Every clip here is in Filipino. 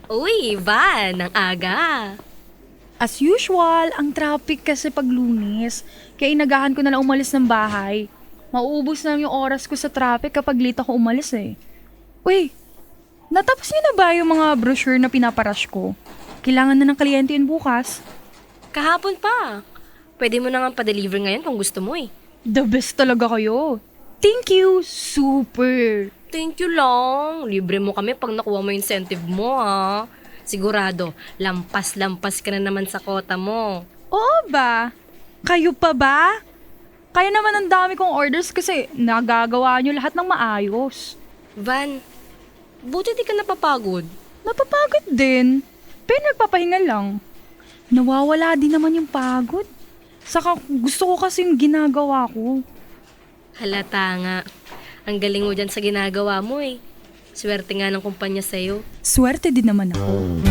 Uy, Van, ang aga. As usual, ang traffic kasi pag Lunes. Kaya inagahan ko na lang umalis ng bahay. Mauubos na lang yung oras ko sa traffic kapag late ako umalis eh. Uy, natapos niyo na ba yung mga brochure na pinaparush ko? Kailangan na ng kliyente yun bukas. Kahapon pa. Pwede mo na nga pa-deliver ngayon kung gusto mo eh. The best talaga kayo. Thank you, super. Thank you lang. Libre mo kami pag nakuha mo yung incentive mo ha. Sigurado, lampas-lampas ka na naman sa kota mo. Oo ba? Kayo pa ba? Kaya naman ang dami kong orders kasi nagagawa niyo lahat ng maayos. Van, buti di ka napapagod. Napapagod din. Pero nagpapahinga lang. Nawawala din naman yung pagod. Saka gusto ko kasi yung ginagawa ko. Halata nga. Ang galing mo dyan sa ginagawa mo eh. Swerte nga ng kumpanya sa'yo. Swerte din naman ako.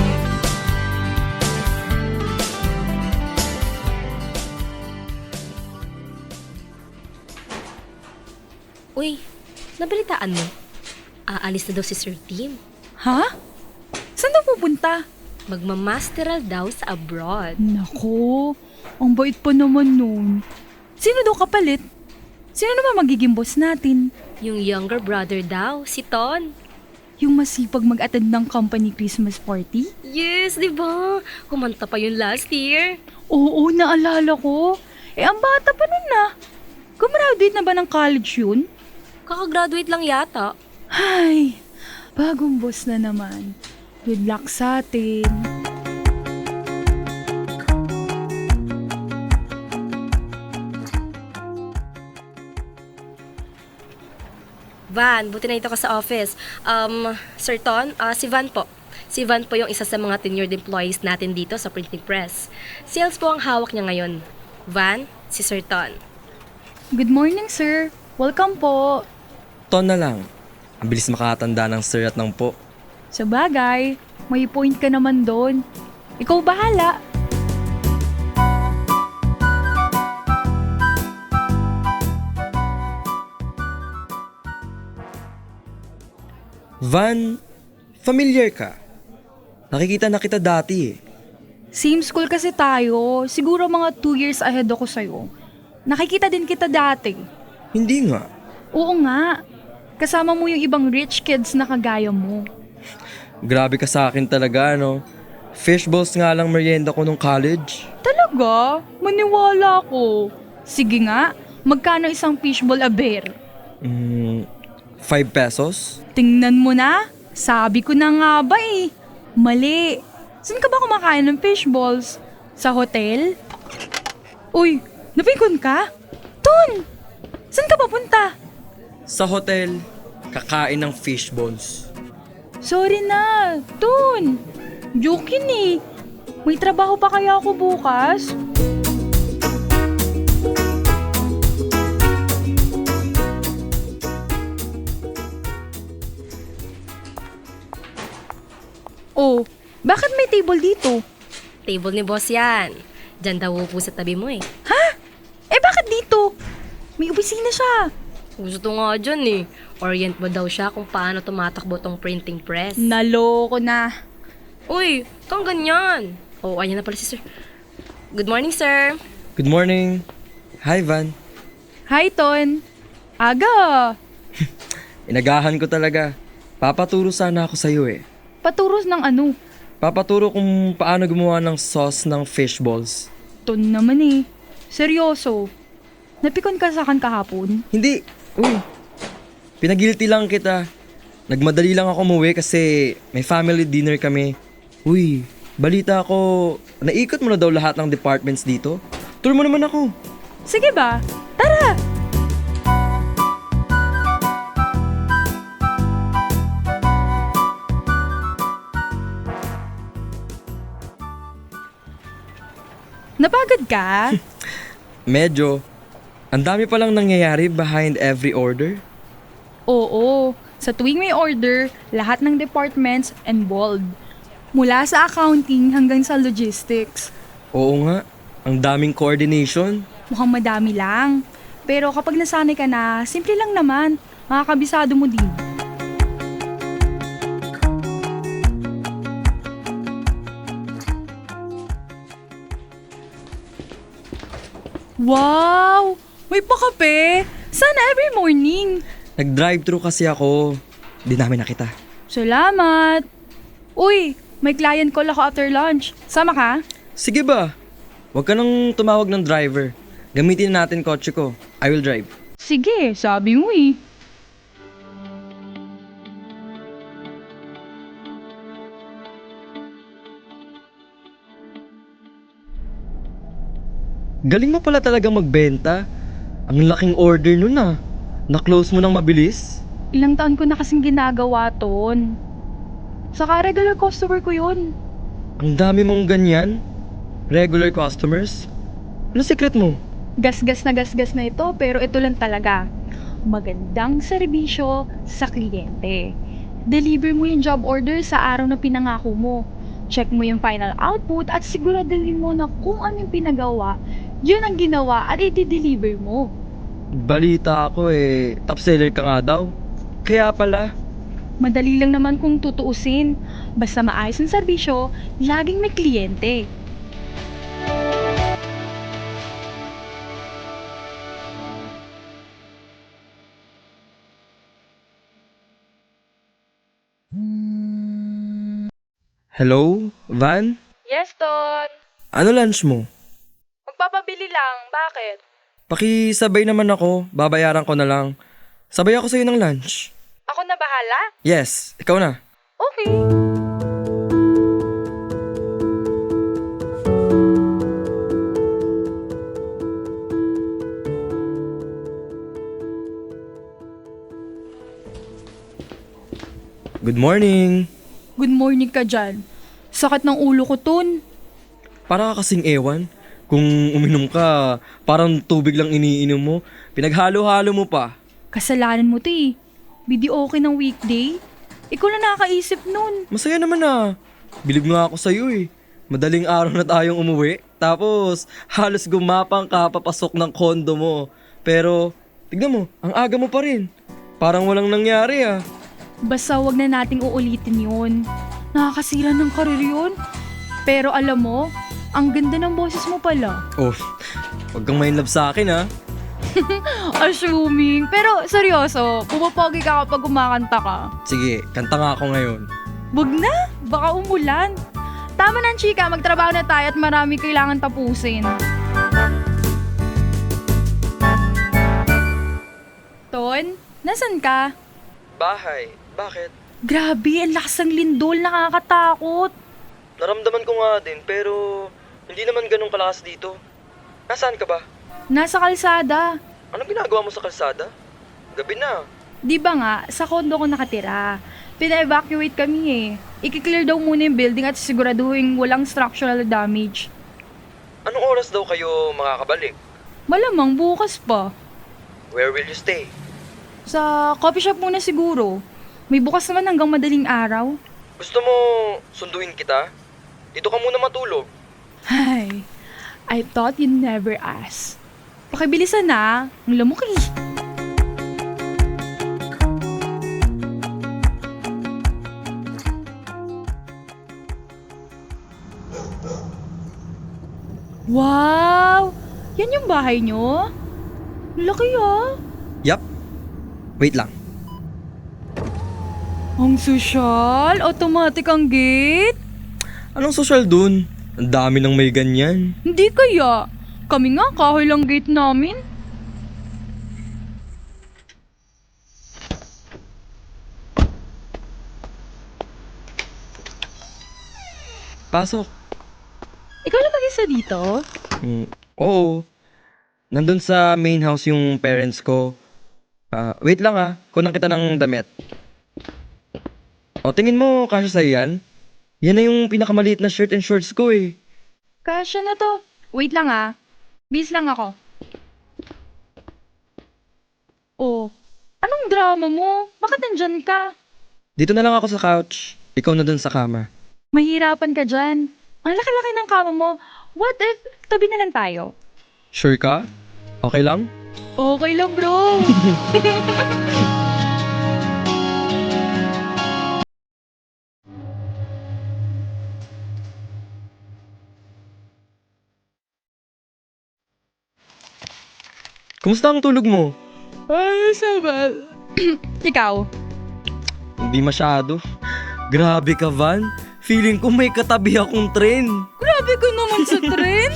Uy, nabalitaan mo? Aalis na daw si Sir Tim. Ha? Saan na pupunta? Magmamasteral daw sa abroad. Nako, ang bait pa naman nun. Sino daw kapalit? Sino naman magiging boss natin? Yung younger brother daw, si Ton. Yung masipag mag-attend ng company Christmas party? Yes, di ba? Kumanta pa yun last year. Oo, naalala ko. Ang bata pa nun na. Gumraduate na ba ng college yun? Kakagraduate lang yata. Ay, bagong boss na naman. Good luck sa atin. Van, buti na ito ka sa office. Sir Ton, si Van po. Si Van po yung isa sa mga tenured employees natin dito sa printing press. Sales po ang hawak niya ngayon. Van, si Sir Ton. Good morning, sir. Welcome po. Ton na lang. Ang bilis makatanda ng sir at ng po. Sa bagay, may point ka naman doon. Ikaw bahala. Van, familiar ka? Nakikita na kita dati eh. Same school kasi tayo. Siguro mga 2 years ahead ako sa'yo. Nakikita din kita dati. Hindi nga. Oo nga. Kasama mo yung ibang rich kids na kagaya mo. Grabe ka sa akin talaga, no? Fishballs nga lang merienda ko nung college. Talaga? Maniwala ko. Sige nga, magkano isang fishball a bear? 5 pesos? Tingnan mo na. Sabi ko na nga ba eh. Mali. Saan ka ba kumakain ng fishballs? Sa hotel? Uy, napikon ka? Ton! Saan ka papunta? Sa hotel, kakain ng fishballs. Sorry na, Ton. Joke yun eh. May trabaho pa kaya ako bukas? Oh, bakit may table dito? Table ni boss yan. Diyan daw upo sa tabi mo eh. Ha? Bakit dito? May opisina siya. Gusto nga dyan eh. Orient mo daw siya kung paano tumatakbo tong printing press. Naloko na. Uy, kang ganyan. Oh, ayan na pala si sir. Good morning, sir. Good morning. Hi, Van. Hi, Ton. Aga. Inagahan ko talaga. Papaturo sana ako sa'yo eh. Paturos ng ano? Papaturo kung paano gumawa ng sauce ng fishballs. Ton naman eh. Seryoso. Napikon ka sa akin kahapon? Hindi. Uy. Pinagilty lang kita. Nagmadali lang ako umuwi kasi may family dinner kami. Uy, balita ko, naikot mo na daw lahat ng departments dito. Tour mo naman ako. Sige ba? Tara! Napagod ka? Medyo. Ang dami palang nangyayari behind every order. Oo. Sa tuwing may order, lahat ng departments involved. Mula sa accounting hanggang sa logistics. Oo nga, ang daming coordination. Mukhang madami lang. Pero kapag nasanay ka na, simple lang naman. Makakabisado mo din. Wow! May pakape! Sana every morning. Nag-drive-thru kasi ako. Di namin nakita. Salamat! Uy, may client call ako after lunch. Sama ka? Sige ba? Huwag ka nang tumawag ng driver. Gamitin natin kotse ko. I will drive. Sige, sabi mo eh. Galing mo pala talaga magbenta. Ang laking order nun ah. Na-close mo nang mabilis? Ilang taon ko na kasing ginagawa ton. Saka regular customer ko yun. Ang dami mong ganyan. Regular customers. Ano secret mo? Gasgas na ito pero ito lang talaga. Magandang serbisyo sa kliyente. Deliver mo yung job order sa araw na pinangako mo. Check mo yung final output at siguraduhin mo na kung ano yung pinagawa, yun ang ginawa at i-deliver mo. Balita ako top seller ka nga daw. Kaya pala. Madali lang naman kung tutuusin. Basta maayos ang serbisyo, laging may kliyente. Hello, Van? Yes, Ton. Ano lunch mo? Magpapabili lang. Bakit? Pakisabay naman ako, babayaran ko na lang. Sabay ako sa'yo ng lunch. Ako na bahala? Yes, ikaw na. Okay. Good morning. Good morning ka dyan. Sakit ng ulo ko, Ton. Para ka kasing ewan. Kung uminom ka, parang tubig lang iniinom mo. Pinaghalo-halo mo pa. Kasalanan mo to eh. Video okay ng weekday? Ikaw na nakakaisip nun. Masaya naman ah. Bilib nga ako sa'yo eh. Madaling araw na tayong umuwi. Tapos, halos gumapang ka papasok ng kondo mo. Pero, tignan mo, ang aga mo pa rin. Parang walang nangyari ah. Basta wag na nating uulitin yun. Nakakasira ng karir yun. Pero alam mo, ang ganda ng boses mo pala. Oh, wag kang main love sa akin ah. Assuming. Pero seryoso, pumapogi ka kapag kumakanta ka. Sige, kanta nga ako ngayon. Wag na, baka umulan. Tama na, chika, magtrabaho na tayo at marami kailangan tapusin. Ton, nasan ka? Bahay, bakit? Grabe, ang lakas ng lindol, nakakatakot. Naramdaman ko nga din pero hindi naman ganun kalakas dito. Nasaan ka ba? Nasa kalsada. Anong ginagawa mo sa kalsada? Gabi na. Di ba nga, sa kondo ko nakatira. Pina-evacuate kami eh. I-clear daw muna yung building at siguraduhin walang structural damage. Anong oras daw kayo makakabalik? Malamang bukas pa. Where will you stay? Sa coffee shop muna siguro. May bukas naman hanggang madaling araw. Gusto mo sunduin kita? Dito ka muna matulog. Ay, I thought you'd never ask. Pakibilisan na, ang lamok eh. Wow! Yan yung bahay nyo? Laki ah! Yup. Wait lang. Ang sosyal, automatic ang gate. Anong social dun? Ang dami nang may ganyan. Hindi kaya. Kami nga, kahoy lang gate namin. Pasok. Ikaw lang mag-isa dito? Oo. Nandun sa main house yung parents ko. Wait lang kunan kita ng damit. O, tingin mo, kasya sa'yo yan? Yan na yung pinakamaliit na shirt and shorts ko eh. Kasya na to. Wait lang Bis lang ako. Oh, anong drama mo? Bakit nandyan ka? Dito na lang ako sa couch. Ikaw na dun sa kama. Mahirapan ka dyan. Ang laki-laki ng kama mo. What if tabi na lang tayo? Sure ka? Okay lang? Okay lang, bro. Kumusta ang tulog mo? Ay, sabal. Ikaw? Hindi masyado. Grabe ka, Van. Feeling ko may katabi akong tren. Grabe ka naman sa tren.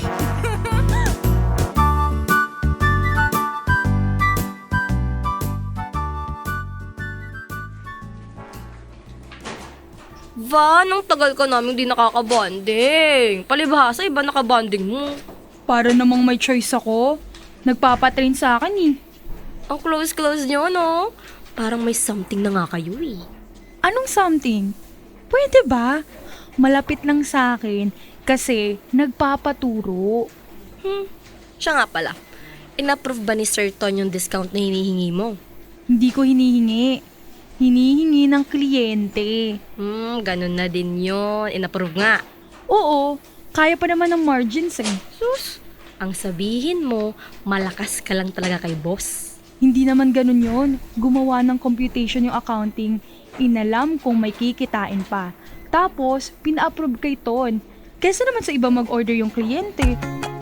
Van, ang tagal ka namin di nakakabonding. Palibhasa, iba nakabonding mo. Para namang may choice ako. Nagpapatrain sa akin eh. Ang close-close nyo, no? Parang may something na nga kayo eh. Anong something? Pwede ba? Malapit lang sa akin kasi nagpapaturo. Siya nga pala. In-approve ba ni Sir Ton yung discount na hinihingi mo? Hindi ko hinihingi. Hinihingi ng kliyente. Ganun na din yun. In-approve nga. Oo, kaya pa naman ng margins eh. Sus, ang sabihin mo, malakas ka lang talaga kay boss. Hindi naman ganun yon. Gumawa ng computation yung accounting. Inalam kung may kikitain pa. Tapos, pina-approve kay Ton. Kesa naman sa iba mag-order yung kliyente.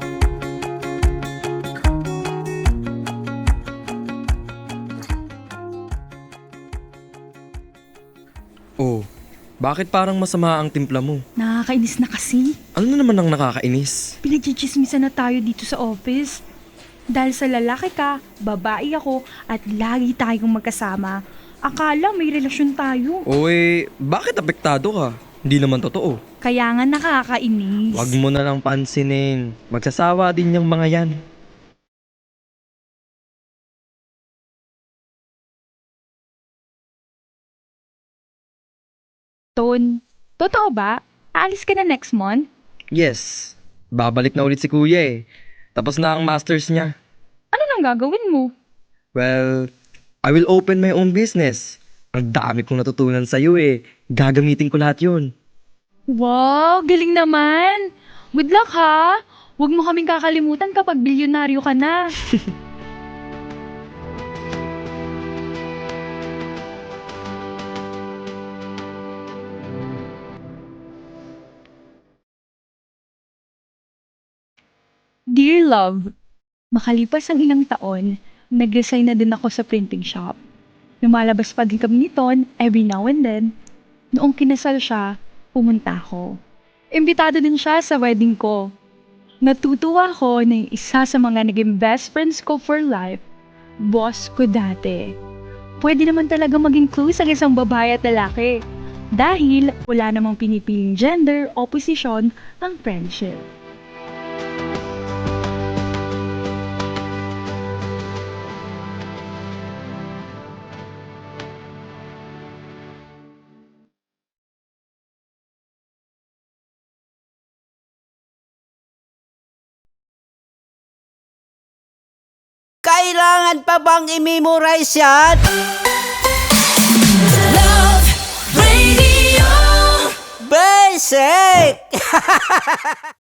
Oh, bakit parang masama ang timpla mo? Nakakainis na kasi. Ano na naman ang nakakainis? Pinagchichismisan na tayo dito sa office. Dahil sa lalaki ka, babae ako, at lagi tayong magkasama. Akala may relasyon tayo. Bakit apektado ka? Hindi naman totoo. Kaya nga nakakainis. Huwag mo na lang pansinin. Magsasawa din yung mga yan. Ton, totoo ba? Aalis ka na next month? Yes, babalik na ulit si kuya eh. Tapos na ang masters niya. Ano nang gagawin mo? Well, I will open my own business. Ang dami kong natutunan sa'yo eh. Gagamitin ko lahat yun. Wow, galing naman! Good luck ha! Huwag mo kaming kakalimutan kapag bilyonaryo ka na. Dear Love, makalipas ang ilang taon, nag-resign na din ako sa printing shop. Lumalabas pa din kami ni Ton every now and then. Noong kinasal siya, pumunta ako. Imbitado din siya sa wedding ko. Natutuwa ko na yung isa sa mga naging best friends ko for life, boss ko dati. Pwede naman talaga maging close ang isang babae at lalaki dahil wala namang pinipiling gender o posisyon ang friendship. Kailangan pa bang i-memorize yan? Love Radio. Basic!